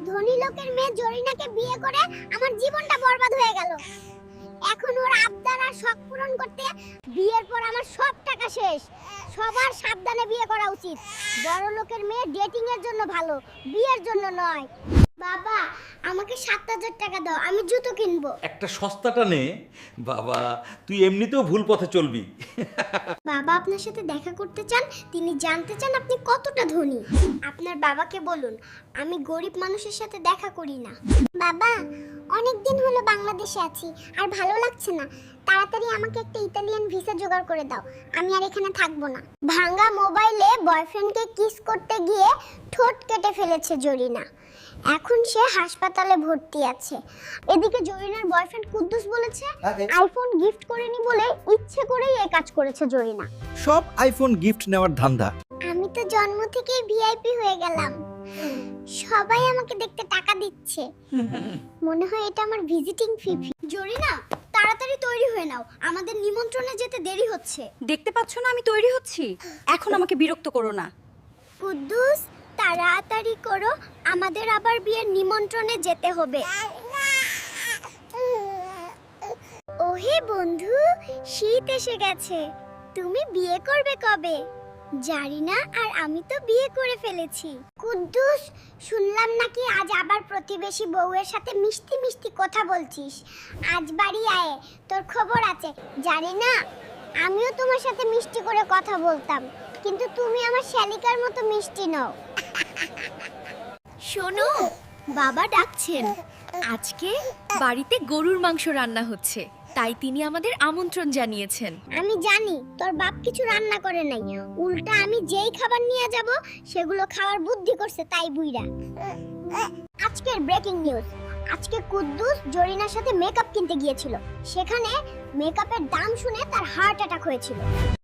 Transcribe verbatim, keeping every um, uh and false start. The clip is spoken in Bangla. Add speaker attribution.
Speaker 1: ধনী লোকের মেয়ে জরিনাকে বিয়ে করে আমার জীবনটা বরবাদ হয়ে গেল। এখন ওর আবদার আর শখ পূরণ করতে বিয়ের পর আমার সব টাকা শেষ। সবার সাবধানে বিয়ে করা উচিত। বড় লোকের মেয়ে ডেটিং এর জন্য ভালো, বিয়ের জন্য নয়। বাবা, আমাকে সাত হাজার টাকা দাও, আমি জুতো কিনবো।
Speaker 2: একটা সস্তাটা নে বাবা, তুই এমনিতেও ভুল পথে চলবি।
Speaker 1: বাবা আপনার সাথে দেখা করতে চান, তিনি জানতে চান আপনি কতটা ধনী। আপনার বাবাকে বলুন আমি গরিব মানুষের সাথে দেখা করি না। বাবা, অনেক দিন হলো বাংলাদেশে আছি, আর ভালো লাগছে না। তাড়াতাড়ি আমাকে একটা ইতালিয়ান ভিসা জোগাড় করে দাও, আমি আর এখানে থাকবো না। ভাঙা মোবাইলে বয়ফ্রেন্ডকে কিস করতে গিয়ে ঠোঁট কেটে ফেলেছে জরিনা। এখন সে হাসপাতালে ভর্তি আছে। এদিকে জরিনার বয়ফ্রেন্ড কুদ্দুস বলেছে আইফোন গিফট করেনি বলে ইচ্ছে করেই এই কাজ করেছে জরিনা।
Speaker 3: সব আইফোন গিফট নেওয়ার ধান্দা।
Speaker 1: আমি তো জন্ম থেকেই ভিআইপি হয়ে গেলাম, সবাই আমাকে দেখতে টাকা দিচ্ছে। মনে হয় এটা আমার ভিজিটিং ফি। জরিনা, তাড়াতাড়ি তৈরি হয়ে নাও, আমাদের নিমন্ত্রণে যেতে দেরি হচ্ছে।
Speaker 4: দেখতে পাচ্ছ না আমি তৈরি হচ্ছি? এখন আমাকে বিরক্ত করো না।
Speaker 1: কুদ্দুস, তাড়াতাড়ি করো, আমাদের আবার বিয়ের নিমন্ত্রণে যেতে হবে। ওহে বন্ধু, শীত এসে গেছে, তুমি বিয়ে করবে কবে? জানি না, আর আমি তো বিয়ে করে ফেলেছি। কুদ্দুস, শুনলাম নাকি আজ আবার প্রতিবেশী বউয়ের সাথে মিষ্টি মিষ্টি কথা বলছিস। আজ বাড়ি আয়, তোর খবর আছে। জানি না, আমিও তোমার সাথে মিষ্টি করে কথা বলতাম, কিন্তু তুমি আমার শালিকার মতো মিষ্টি নও।
Speaker 4: শোনো, বাবা ডাকছেন। আজকে বাড়িতে গরুর মাংস রান্না হচ্ছে, তাই তিনি আমাদের আমন্ত্রণ জানিয়েছেন।
Speaker 1: আমি জানি তোর বাপ কিছু রান্না করে নাই, উল্টা আমি যেই খাবার নিয়ে যাব সেগুলো খাওয়ার বুদ্ধি করছে, তাই বুইরা। আজকের ব্রেকিং নিউজ, আজকে কুদ্দুস জরিনার সাথে মেকআপ কিনতে গিয়েছিল। সেখানে মেকআপের দাম শুনে তার হার্ট অ্যাটাক হয়েছিল।